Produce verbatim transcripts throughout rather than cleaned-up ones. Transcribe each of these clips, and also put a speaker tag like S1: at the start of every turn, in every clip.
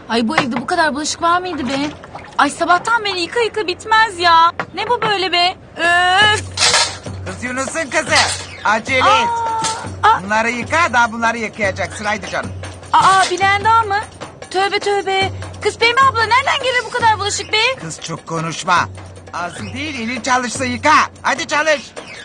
S1: Ay bu evde bu kadar bulaşık var mıydı be? Ay sabahtan beri yıka yıka bitmez ya. Ne bu böyle be? Öf.
S2: Kız Yunus'un kızı. Acele et.
S1: Aa,
S2: Bunları yıka, daha bunları yıkayacaksın. Haydi canım.
S1: aa bilen daha mı? Tövbe tövbe. Kız Pembe abla nereden gelir bu kadar bulaşık be?
S2: Kız çok konuşma. Ağzın değil, elin çalışsa yıka. Hadi çalış.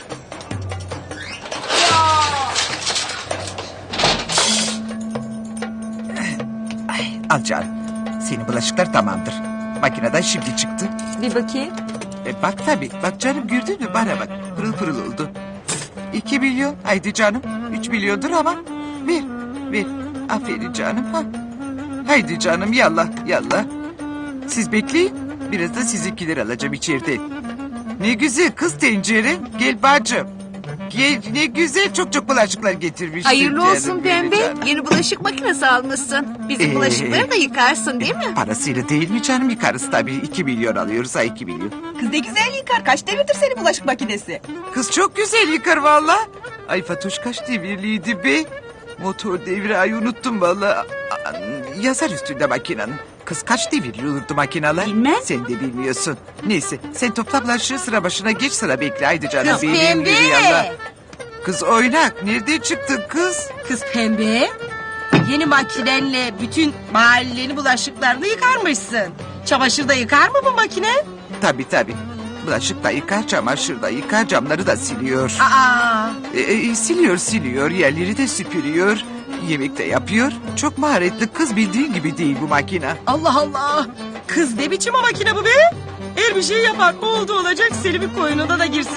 S2: Ay, al canım. Senin bulaşıklar tamamdır. Makineden şimdi çıktı.
S1: Bir bakayım.
S2: E bak tabii. Bak canım gördün mü? Bana bak. Pırıl pırıl oldu. İki milyon. Haydi canım. Üç milyondur ama. Ver. Ver. Aferin canım. Ha. Haydi canım yallah yallah. Siz bekleyin. Biraz da sizinkileri alacağım içeride. Ne güzel kız tencere. Gel bacım. Gel ne güzel çok çok bulaşıklar getirmişsin.
S3: Hayırlı
S2: canım
S3: olsun
S2: benim
S3: Pembe.
S2: canım.
S3: Yeni bulaşık makinesi almışsın. Bizim
S2: Ee,
S3: bulaşıkları da yıkarsın değil mi?
S2: Parasıyla değil mi canım yıkarız tabii. İki milyon alıyoruz ha iki milyon.
S4: Kız ne güzel yıkar. Kaç devirdir senin bulaşık makinesi?
S2: Kız çok güzel yıkar valla. Ay Fatoş kaç devirliydi be? Motor devri ay unuttum valla. Aa, yazar üstünde makinenin. Kız kaç devirli olurdu makineler?
S1: Bilmem.
S2: Sen de bilmiyorsun. Neyse sen topla bulaşığı sıra başına geç sıra bekle. Haydi canım.
S3: Kız
S2: benim
S3: Pembe.
S2: yürü yallah. Kız oynak nereden çıktın kız?
S3: Kız Pembe. Yeni makinenle bütün mahallenin bulaşıklarını yıkarmışsın. Çamaşır da yıkar mı bu makine?
S2: Tabii tabii. Bulaşık da yıkar, çamaşır da yıkar, camları da siliyor.
S3: Aa.
S2: E, e, siliyor siliyor, yerleri de süpürüyor. Yemek de yapıyor. Çok maharetli kız bildiğin gibi değil bu makine.
S3: Allah Allah. Kız ne biçim o makine bu be? Her bir şey yapar. Oldu olacak Selim'in koynuna da girsin.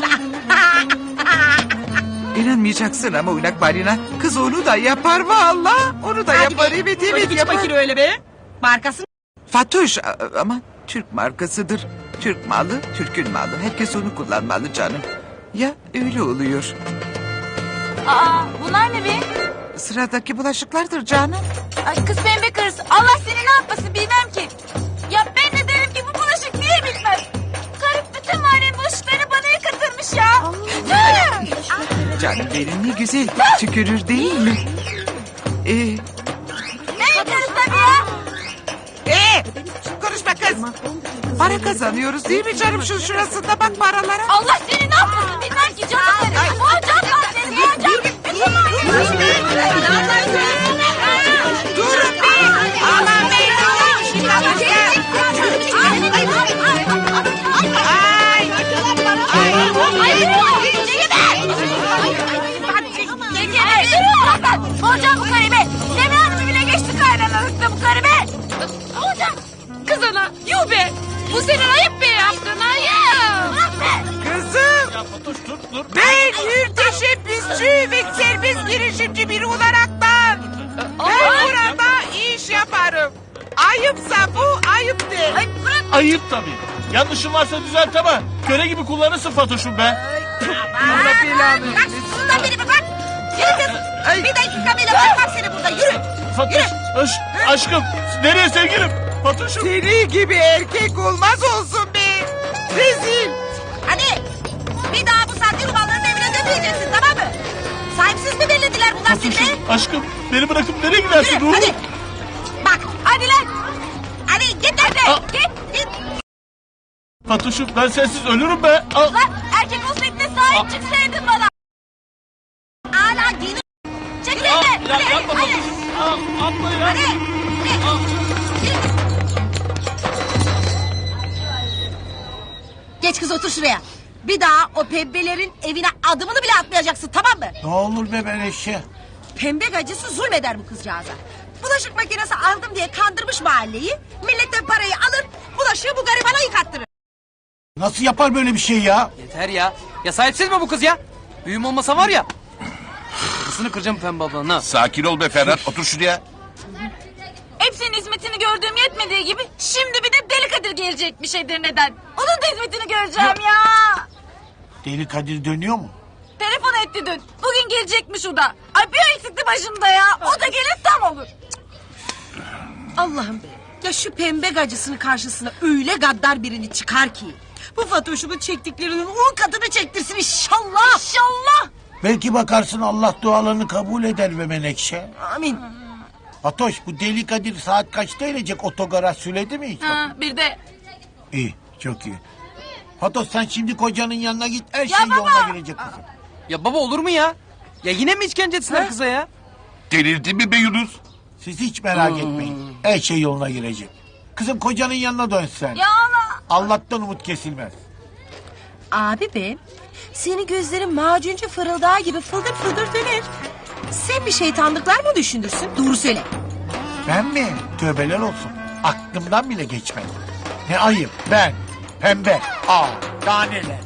S2: İnanmayacaksın ama oynak balina. Kız onu da yapar valla. Onu da yapar
S3: be.
S2: evet
S3: O ne
S2: evet
S3: biçim
S2: yapar.
S3: makine öyle be? Markası
S2: Fatoş a- ama Türk markasıdır. Türk malı, Türk'ün malı. Herkes onu kullanmalı canım. Ya öyle oluyor.
S1: Aa bunlar ne be?
S2: Sıradaki bulaşıklardır canım.
S1: Ay kız Pembe karısı. Allah seni ne yapmasın bilmem ki. Ya ben de derim ki bu bulaşık niye bitmez? Karı bütün mahallenin bulaşıklarını bana yıkatırmış ya. Hı!
S2: Canım benim ne güzel tükürür değil mi? Ee,
S1: Ne yıkarız tabii ya?
S2: ee, konuşma kız. Para kazanıyoruz değil mi canım şu şurasında bak paralara.
S1: Allah seni ne yapmasın bilmem ki canım benim. Hocam ben seni hocam. Bütün mahallenin bulaşıklarını.
S2: Durun be. Aman be.
S1: Hocam bu karı be. Deme hanımı bile geçti kaynanalıkta bu karı be. Hocam kız ana yuh be. Bu senin ayıp be yaptın ayıp.
S2: Kızım. Ben müteşebbisçi ve serbest girişimci biri olaraktan. Ben burada iş yaparım. Ayıpsa bu ayıp de.
S1: Ay bırak.
S5: Ayıp tabii. Yanlışın varsa düzelt ama köle gibi kullanırsın Fatoş'um be.
S2: Allah belanı
S3: Bak şundan beni bir bak. Yürü kız.
S2: Ay.
S3: Bir dakika bile bırakmam seni burada yürü.
S5: Fatoş, aş, aşkım nereye sevgilim? Fatoş'um.
S2: Seni gibi erkek olmaz olsun be. Rezil.
S3: Hadi bir daha bu saatte rumanların evine dönmeyeceksin tamam mı? Sahipsiz mi belirlediler bunlar seni be?
S5: Fatoş'um, aşkım beni bırakıp nereye gidersin
S3: Yürü
S5: ruhum?
S3: hadi. Bak hadi lan. Hadi git hadi.
S5: Aa.
S3: Git git.
S5: Fatoş'um ben sensiz ölürüm be. Al.
S1: Lan erkek olsaydın da sahip çıksaydın bana.
S3: Hala dini. Çekil
S5: Al,
S3: elini.
S5: ya,
S3: Hadi
S5: yapma
S3: hadi.
S5: Fatoş'um. Al, atma ya.
S3: Hadi.
S5: Al.
S3: Geç kız otur şuraya. Bir daha o pembelerin evine adımını bile atmayacaksın tamam mı?
S6: Ne olur be Menekşe.
S3: Pembe gacısı zulmeder bu kızcağıza. Bulaşık makinesi aldım diye kandırmış mahalleyi. Milletten parayı alır, bulaşığı bu garibana yıkattırır.
S6: Nasıl yapar böyle bir şey ya?
S7: Yeter ya. Ya sahipsiz mi bu kız ya? Büyüm olmasa var ya. Kızını kıracağım Pembe ablanın ha.
S8: Sakin ol be Ferhat. Otur şuraya.
S1: Hepsinin hizmetini gördüğüm yetmediği gibi şimdi bir de Deli Kadir gelecekmiş Edirne'den. Onun da hizmetini göreceğim ya.
S6: Deli Kadir dönüyor mu?
S1: Telefon etti dün. Bugün gelecekmiş o da. Ay bir eksikti başımda ya. O da gelir tam olur.
S3: Allah'ım be. Ya şu pembe gacısının karşısına öyle gaddar birini çıkar ki. Bu Fatoş'umun çektiklerinin on katını çektirsin inşallah.
S1: İnşallah.
S6: Belki bakarsın Allah dualarını kabul eder be Menekşe.
S3: Amin.
S6: Fatoş bu deli Kadir saat kaçta inecek otogara söyledi mi hiç?
S1: Ha, bir de
S6: İyi çok iyi. Fatoş sen şimdi kocanın yanına git her
S1: Ya
S6: şey
S1: baba!
S6: yoluna girecek kızım.
S7: Ya baba olur mu ya? Ya yine mi işkence etsinler kıza ya?
S8: Delirdin mi be Yunus?
S6: Siz hiç merak etmeyin. Her şey yoluna girecek. Kızım kocanın yanına dön sen.
S1: ya Allah.
S6: Allah'tan umut kesilmez.
S3: Abi be, senin gözlerin macuncu fırıldağı gibi fıldır fıldır döner. Sen bir şeytanlıklar mı düşünürsün? Doğru söyle.
S6: Ben mi? Tövbeler olsun. Aklımdan bile geçmedi. Ne ayıp ben. Pembe. Aa daha neler.